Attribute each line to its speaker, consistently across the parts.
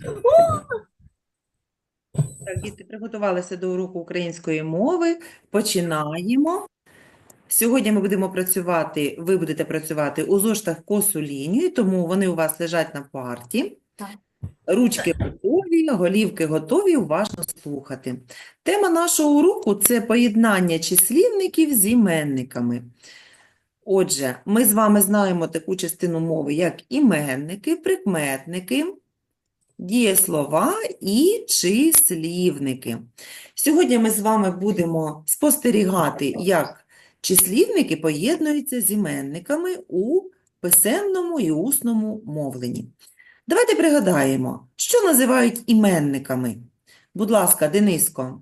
Speaker 1: Так, діти приготувалися до уроку української мови. Починаємо. Сьогодні ми будемо працювати, ви будете працювати у зошитах косу лінію, тому вони у вас лежать на парті.
Speaker 2: Так.
Speaker 1: Ручки готові, голівки готові, уважно слухати. Тема нашого уроку – це поєднання числівників з іменниками. Отже, ми з вами знаємо таку частину мови, як іменники, прикметники, дієслова і числівники. Сьогодні ми з вами будемо спостерігати, як числівники поєднуються з іменниками у писемному і усному мовленні. Давайте пригадаємо, що називають іменниками. Будь ласка, Дениско.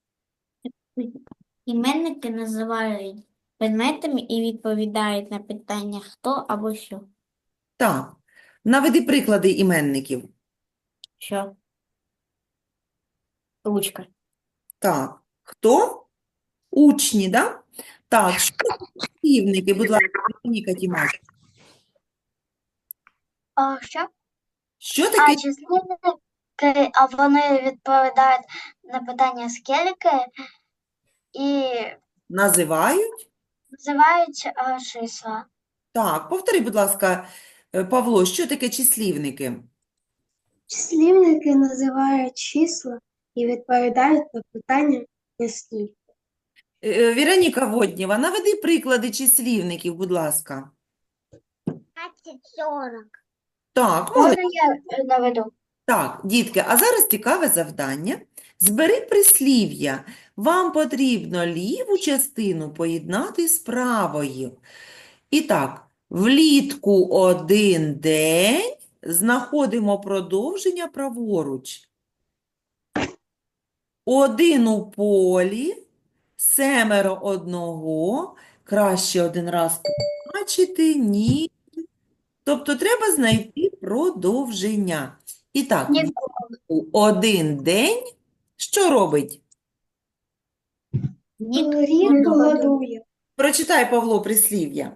Speaker 2: Іменники називають предметами і відповідають на питання хто або що.
Speaker 1: Так, наведи приклади іменників.
Speaker 2: Що? Ручка.
Speaker 1: Так, хто? Учні, да? Так, що таке числівники, будь ласка, Вероніка Тімак.
Speaker 3: Що?
Speaker 1: Що таке
Speaker 3: Числівники, а вони відповідають на питання скільки і
Speaker 1: називають?
Speaker 3: називають числа.
Speaker 1: Так, повтори, будь ласка, Павло, що таке числівники?
Speaker 4: Числівники називають числа і відповідають на питання «скільки».
Speaker 1: Віроніка Воднєва, наведи приклади числівників, будь ласка.
Speaker 3: 40.
Speaker 1: Так,
Speaker 3: Можна
Speaker 1: молодці.
Speaker 3: я наведу?
Speaker 1: Так, дітки, а зараз цікаве завдання. Збери прислів'я. Вам потрібно ліву частину поєднати з правою. І так, влітку один день знаходимо продовження праворуч. Один у полі, семеро одного, краще один раз побачити, ні. Тобто треба знайти продовження. І так,
Speaker 3: Ні.
Speaker 1: влітку один день що робить?
Speaker 4: Рік голодує.
Speaker 1: Прочитай, Павло, прислів'я.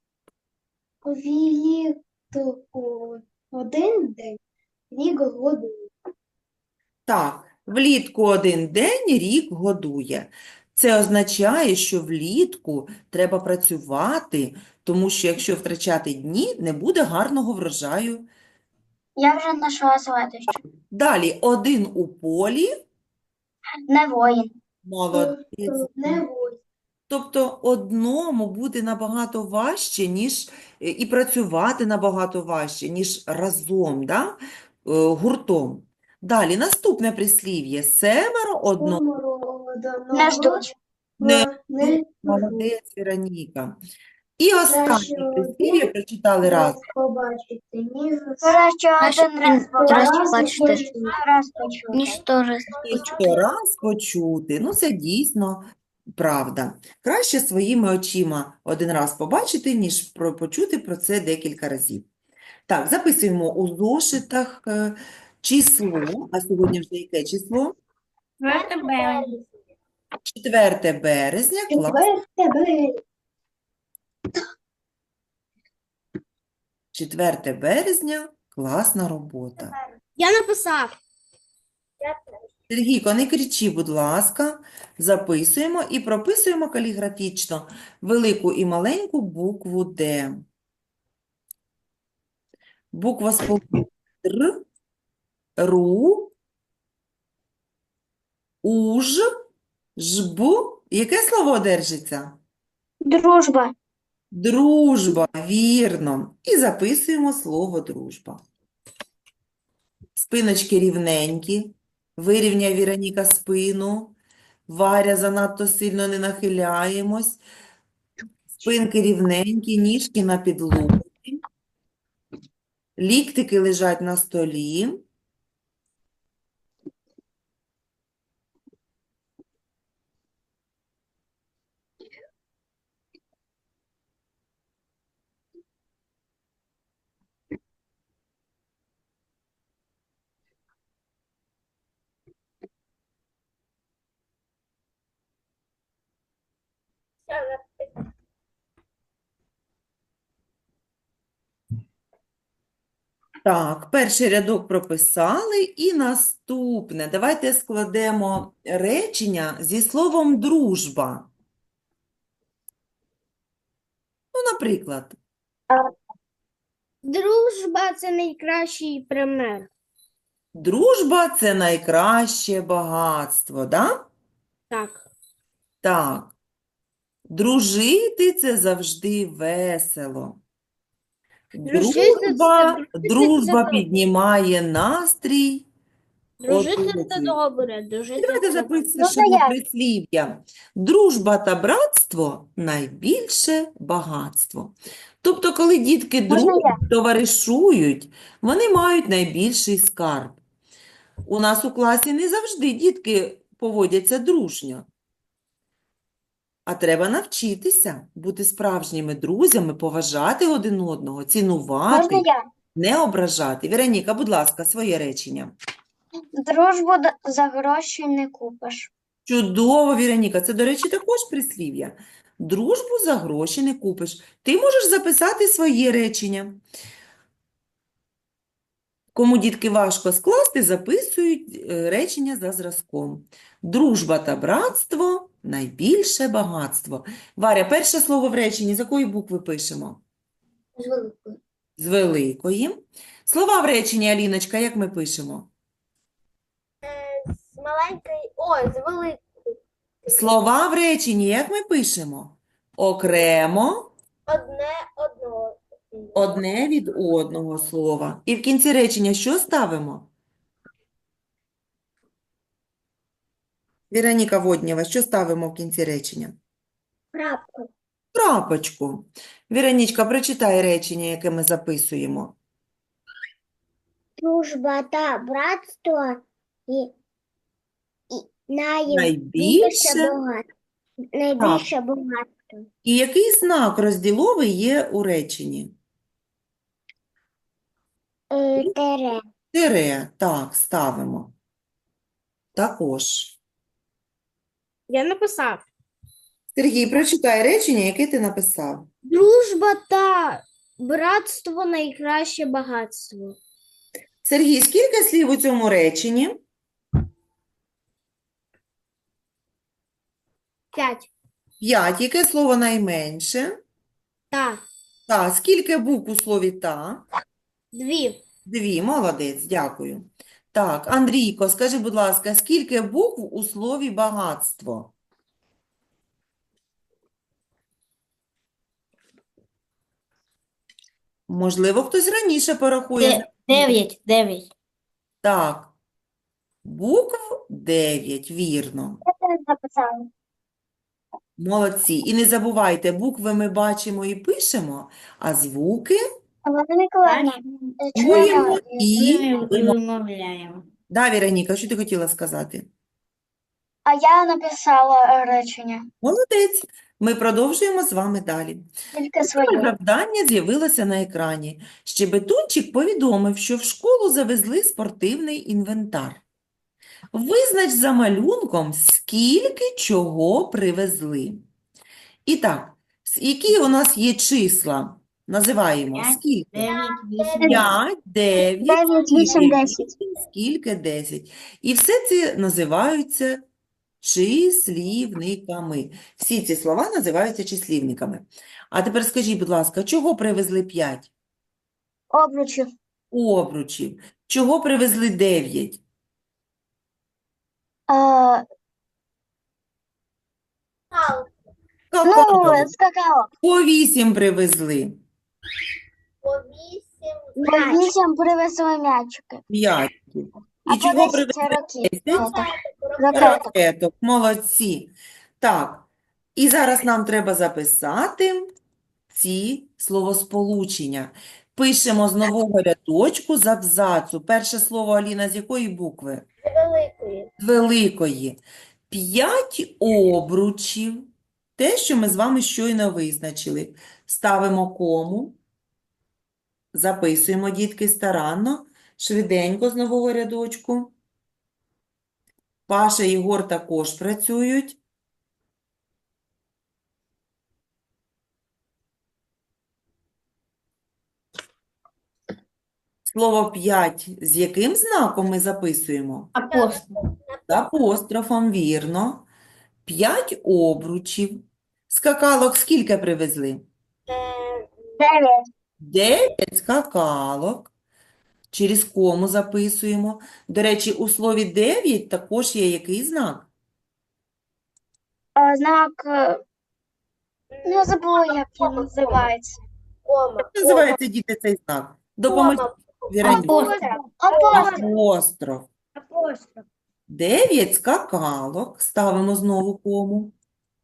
Speaker 4: Влітку один день рік голодує.
Speaker 1: Так, влітку один день рік годує. Це означає, що влітку треба працювати, тому що якщо втрачати дні, не буде гарного врожаю.
Speaker 3: Я вже знайшла следующу.
Speaker 1: Далі, один у полі,
Speaker 3: Не воїн.
Speaker 1: молодець.
Speaker 4: Не воїн.
Speaker 1: Тобто одному буде набагато важче, і працювати набагато важче, ніж разом, да? Гуртом. Далі, наступне прислів'я. Семеро одного
Speaker 3: Не ждуть.
Speaker 1: не молодець, Вероніка. І останнє прислів'я прочитали раз.
Speaker 4: побачити, ніж
Speaker 3: Краще один раз
Speaker 2: побачити.
Speaker 3: раз почути.
Speaker 2: Ніж 100 раз
Speaker 1: І 100 раз почути. Ну, це дійсно правда. Краще своїми очима один раз побачити, ніж почути про це декілька разів. Так, записуємо у зошитах число. А сьогодні вже яке число? 4 березня. Клас. 4 березня. Класна робота.
Speaker 2: Я написав.
Speaker 1: Сергійко, не кричи, будь ласка. Записуємо і прописуємо каліграфічно велику і маленьку букву «Д». Буква сполука «Р», «Ру», «Уж», «Жб». Яке слово держиться?
Speaker 3: Дружба.
Speaker 1: Дружба, вірно. І записуємо слово дружба. Спиночки рівненькі. Вирівняй, Віроніка, спину. Варя, занадто сильно не нахиляємось. Спинки рівненькі, ніжки на підлозі. Ліктики лежать на столі. Так, перший рядок прописали і наступне. Давайте складемо речення зі словом дружба. Ну, наприклад,
Speaker 3: Дружба – це найкращий пример.
Speaker 1: дружба – це найкраще багатство, да?
Speaker 3: Так.
Speaker 1: Так. Дружити – це завжди весело.
Speaker 3: Дружити
Speaker 1: Дружба
Speaker 3: це
Speaker 1: піднімає настрій
Speaker 3: Дружити це
Speaker 1: оточуючих.
Speaker 3: добре, дружити
Speaker 1: Давайте
Speaker 3: це
Speaker 1: запишемо прислів'я. Дружба та братство – найбільше багатство. Тобто, коли дітки дружать, товаришують, вони мають найбільший скарб. У нас у класі не завжди дітки поводяться дружньо. А треба навчитися бути справжніми друзями, поважати один одного, цінувати,
Speaker 3: я?
Speaker 1: не ображати. Віроніка, будь ласка, своє речення.
Speaker 3: Дружбу за гроші не купиш.
Speaker 1: Чудово, Віроніка. Це, до речі, також прислів'я. Дружбу за гроші не купиш. Ти можеш записати своє речення. Кому дітки важко скласти, записують речення за зразком. Дружба та братство – найбільше багатство. Варя, перше слово в реченні з якої букви пишемо?
Speaker 4: З великою.
Speaker 1: З великої. Слова в реченні, Аліночка, як ми пишемо?
Speaker 3: З маленької, з великої.
Speaker 1: Слова в реченні, як ми пишемо? Окремо,
Speaker 3: Одного.
Speaker 1: одне від одного слова. І в кінці речення що ставимо? Віроніка Воднєва, що ставимо в кінці речення?
Speaker 3: Крапку.
Speaker 1: Крапочку. Віронічка, прочитай речення, яке ми записуємо.
Speaker 3: Дружба та братство і
Speaker 1: Найбільше.
Speaker 3: найбільше багатство.
Speaker 1: І який знак розділовий є у реченні?
Speaker 3: Тере.
Speaker 1: Тире. Так, ставимо. Також.
Speaker 3: Я написав.
Speaker 1: Сергій, прочитай речення, яке ти написав.
Speaker 3: Дружба та братство найкраще багатство.
Speaker 1: Сергій, скільки слів у цьому реченні?
Speaker 3: 5.
Speaker 1: 5. Яке слово найменше?
Speaker 3: Та.
Speaker 1: Та. Скільки букв у слові та?
Speaker 3: 2.
Speaker 1: 2. Молодець, дякую. Так, Андрійко, скажи, будь ласка, скільки букв у слові багатство? Можливо, хтось раніше порахує.
Speaker 2: 9.
Speaker 1: Так, букв 9, вірно.
Speaker 3: Я написала.
Speaker 1: Молодці. І не забувайте, букви ми бачимо і пишемо, а звуки
Speaker 3: Олена Миколаївна,
Speaker 1: чуємо і
Speaker 2: Вимовляємо.
Speaker 1: Да, Віроніка, що ти хотіла сказати?
Speaker 3: а я написала речення.
Speaker 1: Молодець. Ми продовжуємо з вами далі.
Speaker 3: Тільки
Speaker 1: Друге
Speaker 3: своє.
Speaker 1: завдання з'явилося на екрані. Щебетунчик повідомив, що в школу завезли спортивний інвентар. Визнач за малюнком, скільки чого привезли. І так, які у нас є числа? Називаємо.
Speaker 2: П'ять,
Speaker 1: Скільки?
Speaker 2: 9, 8,
Speaker 1: 5, 9,
Speaker 3: 9, 8,
Speaker 1: скільки?
Speaker 3: 10.
Speaker 1: Скільки 10. І все це називаються числівниками. Всі ці слова називаються числівниками. А тепер скажіть, будь ласка, чого привезли 5?
Speaker 3: Обручів.
Speaker 1: Обручів. Чого привезли 9? Какао.
Speaker 3: скакало.
Speaker 1: По 8 привезли.
Speaker 3: По 8 привезли м'ячики.
Speaker 1: 5.
Speaker 3: А
Speaker 1: І
Speaker 3: по
Speaker 1: чого
Speaker 3: 10
Speaker 1: привезли
Speaker 3: ракет.
Speaker 1: 10?
Speaker 3: Ракеток.
Speaker 1: Ракеток. Молодці. Так. І зараз нам треба записати ці словосполучення. Пишемо з нового рядочку з абзацу. Перше слово, Аліна, з якої букви?
Speaker 3: Великої.
Speaker 1: З великої. 5 обручів. Те, що ми з вами щойно визначили. Ставимо кому. Записуємо, дітки, старанно, швиденько з нового рядочку. Паша і Єгор також працюють. Слово 5 з яким знаком ми записуємо?
Speaker 2: Апостол.
Speaker 1: З апострофом, вірно. 5 обручів. Скакалок скільки привезли?
Speaker 3: 9.
Speaker 1: 9 скакалок. Через кому записуємо. До речі, у слові 9 також є який знак?
Speaker 3: Знак, не забула, як він називається.
Speaker 1: Як називається, діти, цей знак? Допоможіть, Віроніка.
Speaker 2: Апостол.
Speaker 3: Апостроф.
Speaker 1: Апостроф. 9 скакалок. Ставимо знову кому.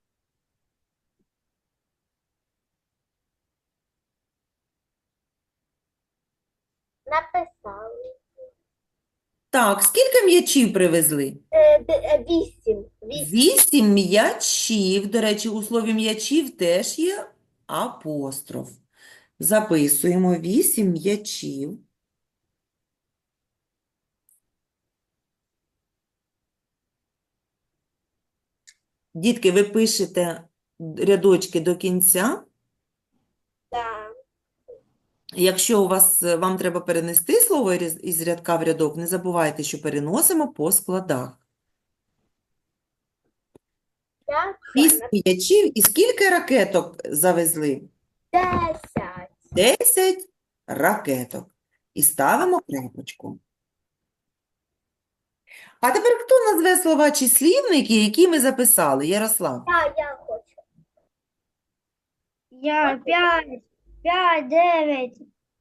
Speaker 4: Написали.
Speaker 1: Так, скільки м'ячів привезли?
Speaker 4: 8.
Speaker 1: 8 м'ячів. До речі, у слові м'ячів теж є апостроф. Записуємо 8 м'ячів. Дітки, ви пишете рядочки до кінця.
Speaker 4: Так.
Speaker 1: Якщо вам треба перенести слово із рядка в рядок, не забувайте, що переносимо по складах. 8 м'ячів і скільки ракеток завезли?
Speaker 4: 10.
Speaker 1: 10 ракеток. І ставимо крапочку. А тепер хто назве слова числівники, які ми записали? Ярослав.
Speaker 4: Я хочу.
Speaker 3: Я 5, 9,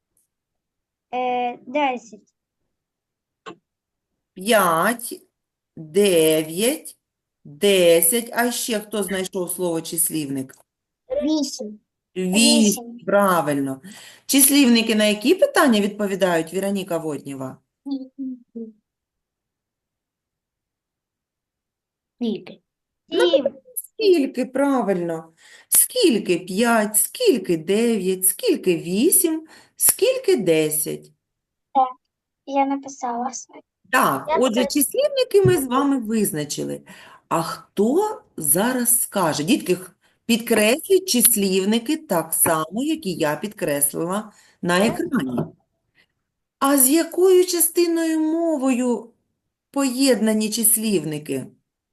Speaker 3: 10.
Speaker 1: 5, 9, 10. А ще хто знайшов слово числівник?
Speaker 3: 8.
Speaker 1: 8. Правильно. Числівники на які питання відповідають, Віроніка Воднєва?
Speaker 2: Скільки?
Speaker 3: 7.
Speaker 1: Скільки, правильно. Скільки 5, скільки 9, скільки 8, скільки 10.
Speaker 3: Я написала.
Speaker 1: Так,
Speaker 4: Я
Speaker 1: отже,
Speaker 4: теж.
Speaker 1: числівники ми з вами визначили. А хто зараз скаже? Дітки, підкресліть числівники так само, як і я підкреслила на екрані. А з якою частиною мовою поєднані числівники?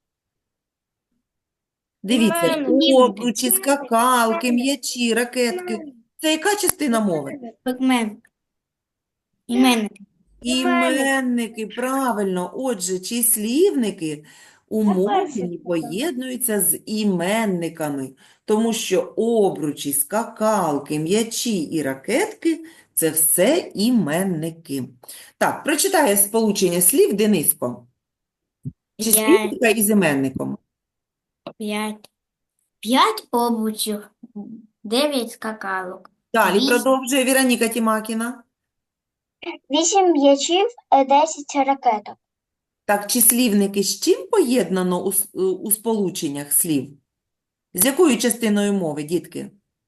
Speaker 1: Дивіться,
Speaker 2: Іменники.
Speaker 1: обручі, скакалки, м'ячі, ракетки. Це яка частина мови?
Speaker 2: Пигмент. Іменники.
Speaker 1: Іменники, правильно. Отже, числівники у мовленні поєднуються з іменниками, тому що обручі, скакалки, м'ячі і ракетки – це все іменники. Так, прочитає сполучення слів Дениско. Числівника із іменником.
Speaker 2: 5. 5 обручів. 9 скакалок.
Speaker 1: Далі
Speaker 2: Вісім.
Speaker 1: продовжує Віроніка Тімакіна.
Speaker 3: 8 м'ячів, 10 ракеток.
Speaker 1: Так, числівники з чим поєднано у сполученнях слів? З якою частиною мови, дітки?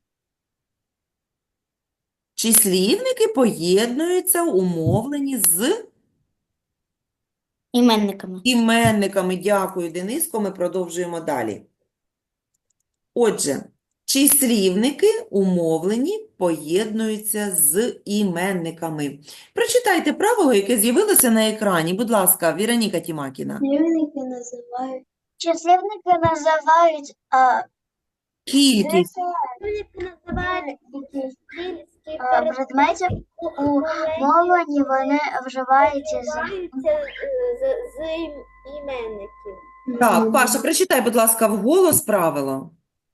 Speaker 1: Числівники поєднуються у мовленні з
Speaker 2: Іменниками.
Speaker 1: іменниками. Дякую, Дениско. Ми продовжуємо далі. Отже, числівники у мовленні поєднуються з іменниками. Прочитайте правило, яке з'явилося на екрані. Будь ласка, Віроніка Тімакіна.
Speaker 4: Числівники називають.
Speaker 3: Числівники називають
Speaker 1: Кількість.
Speaker 4: Числівники називають
Speaker 3: предметів у мовленні, вони вживаються з
Speaker 4: іменників.
Speaker 1: Так, Паша, прочитай, будь ласка, вголос правило.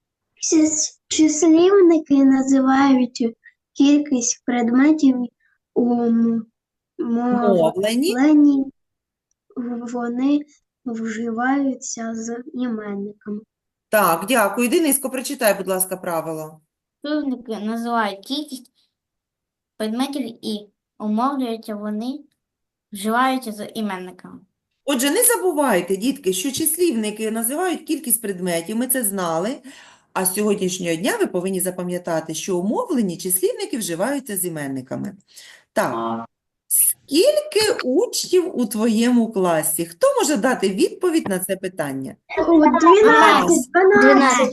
Speaker 4: Числівники називають кількість предметів у
Speaker 1: Мовлені.
Speaker 4: мовленні, вони вживаються з іменниками.
Speaker 1: Так, дякую. Дениско, прочитай, будь ласка, правило.
Speaker 2: Числівники називають кількість предметів і умовлюються вони, вживаються з іменниками.
Speaker 1: Отже, не забувайте, дітки, що числівники називають кількість предметів, ми це знали, а з сьогоднішнього дня ви повинні запам'ятати, що у мовленні числівники вживаються з іменниками. Так, скільки учнів у твоєму класі? Хто може дати відповідь на це питання?
Speaker 4: 12, 12.
Speaker 2: 12.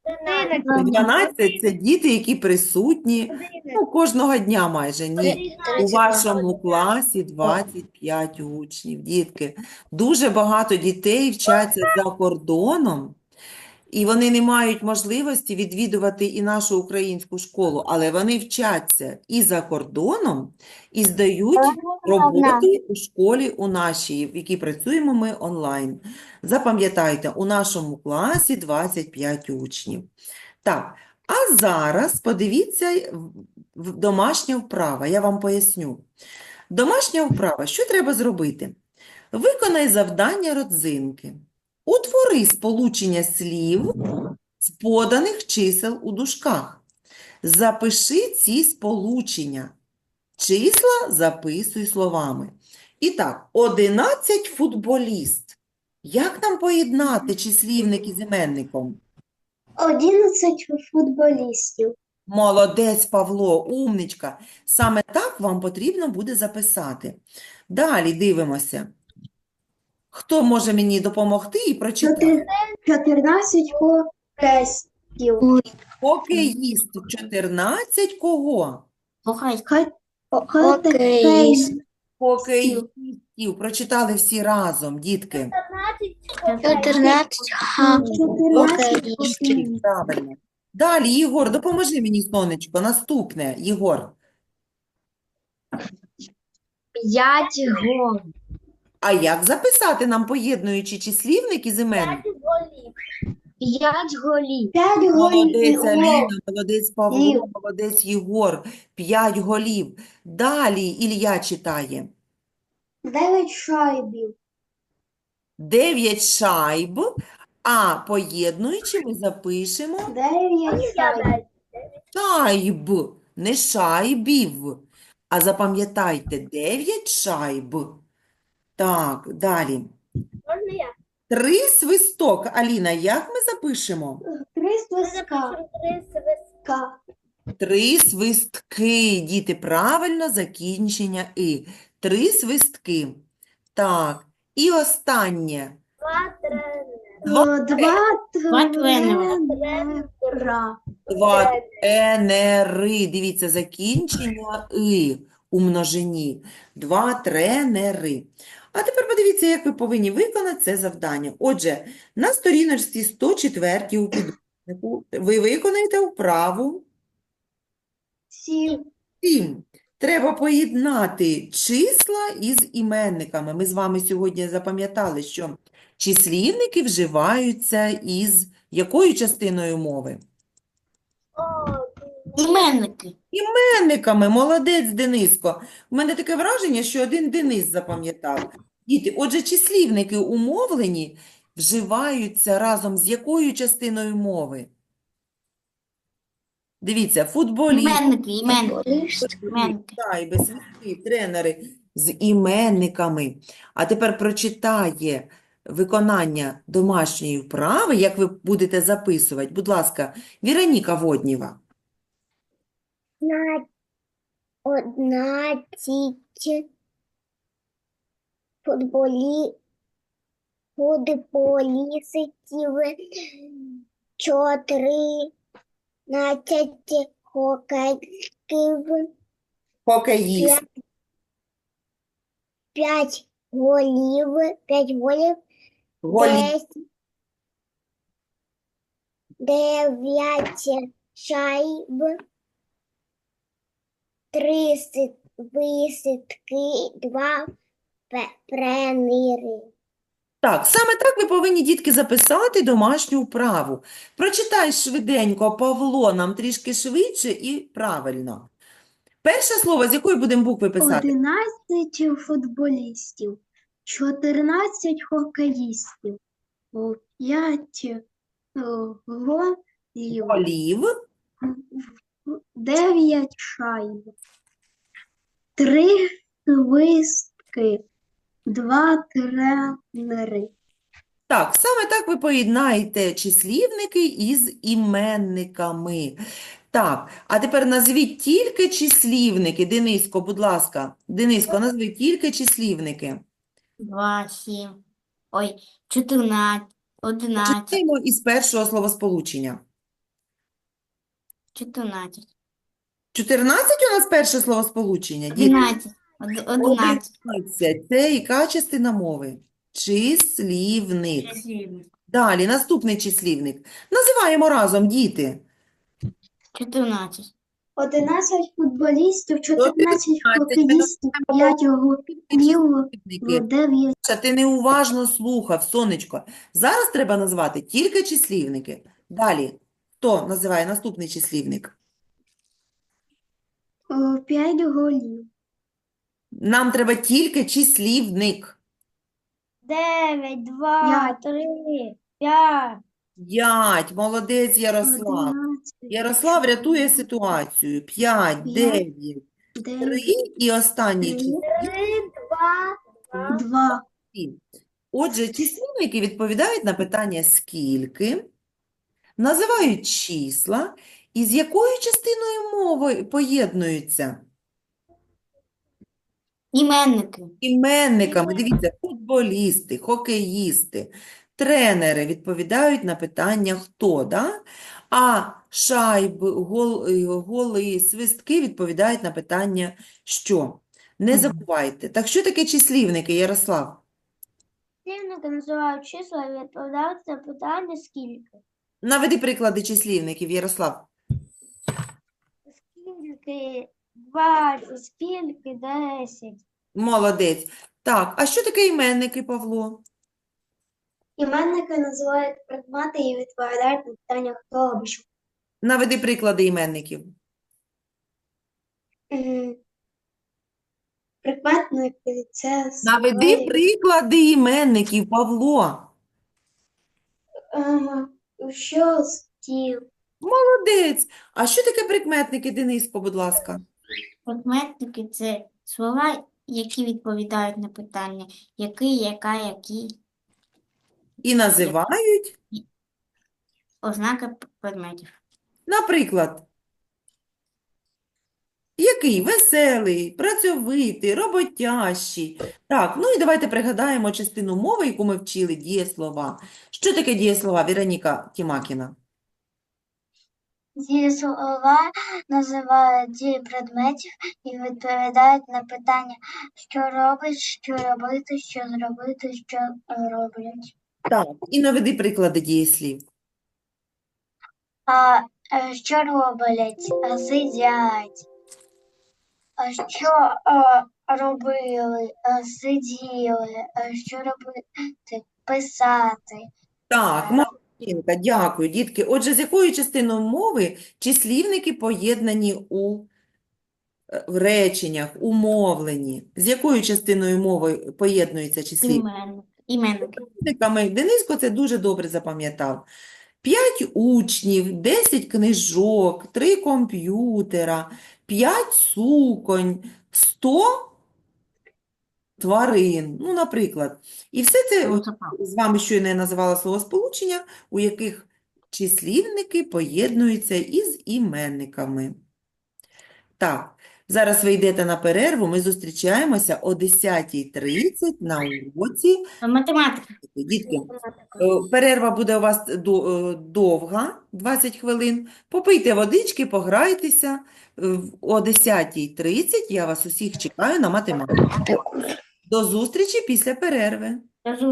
Speaker 1: 12 – це діти, які присутні, кожного дня майже. Ні, у вашому класі 25 учнів. Дітки, дуже багато дітей вчаться за кордоном, і вони не мають можливості відвідувати і нашу українську школу, але вони вчаться і за кордоном, і здають роботи у школі у нашій, в якій працюємо ми онлайн. Запам'ятайте, у нашому класі 25 учнів. Так, а зараз подивіться домашня вправа, я вам поясню. Домашня вправа, що треба зробити? Виконай завдання родзинки. Утвори сполучення слів з поданих чисел у дужках. Запиши ці сполучення. Числа записуй словами. І так, 11 футболіст. Як нам поєднати числівник із іменником?
Speaker 4: 11 футболістів.
Speaker 1: Молодець, Павло, умничка. Саме так вам потрібно буде записати. Далі дивимося. Хто може мені допомогти і прочитати?
Speaker 4: 14 хокеїстів.
Speaker 1: Хокеїст. 14 кого?
Speaker 4: Хокеїстів.
Speaker 1: Хокеїстів. Прочитали всі разом, дітки.
Speaker 2: 14
Speaker 4: хокеїстів.
Speaker 1: Правильно. Далі, Єгор, допоможи мені, сонечко. Наступне, Єгор.
Speaker 3: 5 голів.
Speaker 1: А як записати нам, поєднуючи числівник із іменником?
Speaker 3: 5 голів.
Speaker 4: 5 голів.
Speaker 1: Молодець Аліна, молодець Павло,
Speaker 4: Голів.
Speaker 1: молодець Єгор. 5 голів. Далі Ілля читає.
Speaker 4: 9 шайбів.
Speaker 1: 9 шайб, а поєднуючи ми запишемо
Speaker 4: 9 шайбів.
Speaker 1: шайб, не шайбів. А запам'ятайте, 9 шайб. Так, далі. 3 свисток. Аліна, як ми запишемо?
Speaker 4: 3 свистка.
Speaker 1: 3 свистки. Діти, правильно закінчення «и». 3 свистки. Так, і останнє.
Speaker 4: 2
Speaker 2: тренера.
Speaker 4: тренера.
Speaker 1: 2 тренери. Дивіться, закінчення «и» у множині. 2 тренери. А тепер подивіться, як ви повинні виконати це завдання. Отже, на сторіночці 104 у підручнику ви виконаєте вправу
Speaker 4: 7.
Speaker 1: 7. Треба поєднати числа із іменниками. Ми з вами сьогодні запам'ятали, що числівники вживаються із якою частиною мови?
Speaker 2: Іменники.
Speaker 1: Іменниками. Молодець, Дениско. У мене таке враження, що один Денис запам'ятав. Діти, отже, числівники у мовленні вживаються разом з якою частиною мови? Дивіться, футболіст,
Speaker 2: Іменники.
Speaker 1: шайби, свистки, тренери з іменниками. А тепер прочитає виконання домашньої вправи, як ви будете записувати. Будь ласка, Віроніка Воднєва.
Speaker 4: 11 футболістів, 14 хокеїстів,
Speaker 1: Хокеїст.
Speaker 4: 5 голів,
Speaker 1: Голів.
Speaker 4: 9 шайб, 3 свистки, 2 тренери.
Speaker 1: Так, саме так ви повинні, дітки, записати домашню вправу. Прочитай швиденько, Павло, нам трішки швидше і правильно. Перше слово, з якої будемо букви писати?
Speaker 4: 11 футболістів, 14 хокеїстів, 5 голів,
Speaker 1: Голів.
Speaker 4: 9 шайб, 3 свистки, 2 тренери.
Speaker 1: Так, саме так ви поєднаєте числівники із іменниками. Так, а тепер назвіть тільки числівники. Дениско, будь ласка. Дениско, назви тільки числівники.
Speaker 2: 2, 7. Ой, 14, 11.
Speaker 1: Починаємо із першого словосполучення.
Speaker 2: 14.
Speaker 1: 14 у нас перше словосполучення, діти.
Speaker 2: 11. 11.
Speaker 1: 11. Це яка частина мови? Числівник.
Speaker 2: Числівник.
Speaker 1: Далі, наступний числівник. Називаємо разом, діти.
Speaker 2: 14.
Speaker 4: 11 футболістів, 14
Speaker 1: 14.
Speaker 4: хокеїстів, 5 голів,
Speaker 1: Числівники.
Speaker 4: 9
Speaker 1: Саша, ти неуважно слухав, сонечко. Зараз треба назвати тільки числівники. Далі, хто називає наступний числівник?
Speaker 4: 5 голів.
Speaker 1: Нам треба тільки числівник.
Speaker 2: 9, 2, 3, 5.
Speaker 1: 5. Молодець, Ярослав.
Speaker 4: 11,
Speaker 1: Ярослав рятує ситуацію. 5, 9, 3
Speaker 4: 9,
Speaker 1: і останній
Speaker 4: 3,
Speaker 1: числівник.
Speaker 4: 2.
Speaker 1: Отже, числівники відповідають на питання «скільки?», називають числа і з якою частиною мови поєднуються?
Speaker 2: Іменники.
Speaker 1: Іменниками. Дивіться, футболісти, хокеїсти, тренери відповідають на питання «хто?», да? А шайби, голи, свистки відповідають на питання «що?». Не забувайте. Так що таке числівники, Ярослав?
Speaker 2: Числівники називають числа і відповідають на питання скільки.
Speaker 1: Наведи приклади числівників, Ярослав.
Speaker 2: Скільки 20, скільки 10.
Speaker 1: Молодець. Так, а що таке іменники, Павло?
Speaker 4: Іменники називають предмети і відповідають на питання хто або що.
Speaker 1: Наведи приклади іменників.
Speaker 4: Прикметники – це
Speaker 1: Наведи
Speaker 4: слова,
Speaker 1: приклади іменників, Павло.
Speaker 4: що стіл,
Speaker 1: Молодець. А що таке прикметники, Дениско, будь ласка?
Speaker 2: Прикметники – це слова, які відповідають на питання який, яка, які,
Speaker 1: І називають,
Speaker 2: ознаки предметів.
Speaker 1: наприклад, який? Веселий, працьовитий, роботящий. Так, ну і давайте пригадаємо частину мови, яку ми вчили, дієслова. Що таке дієслова, Віроніка Тімакіна?
Speaker 3: Дієслова називають дії предметів і відповідають на питання, що робить, що робити, що зробити, що роблять.
Speaker 1: Так, і наведи приклади дієслів.
Speaker 3: Що роблять? Сидять. Що робили? Сиділи. Що робити? Писати.
Speaker 1: Так, молодчинка, дякую, дітки. Отже, з якою частиною мови числівники поєднані в реченнях, у мовленні? З якою частиною мови поєднуються числівники?
Speaker 2: Іменники.
Speaker 1: Числівниками. Дениско це дуже добре запам'ятав. 5 учнів, 10 книжок, 3 комп'ютера, 5 суконь, 100 тварин, ну, наприклад. І все це от з вами щойно я називала словосполучення, у яких числівники поєднуються із іменниками. Так, зараз ви йдете на перерву, ми зустрічаємося о 10:30 на уроці.
Speaker 2: Математика.
Speaker 1: Дітки, перерва буде у вас довга, 20 хвилин. Попийте водички, пограйтеся. О 10:30 я вас усіх чекаю на математику. До зустрічі після перерви.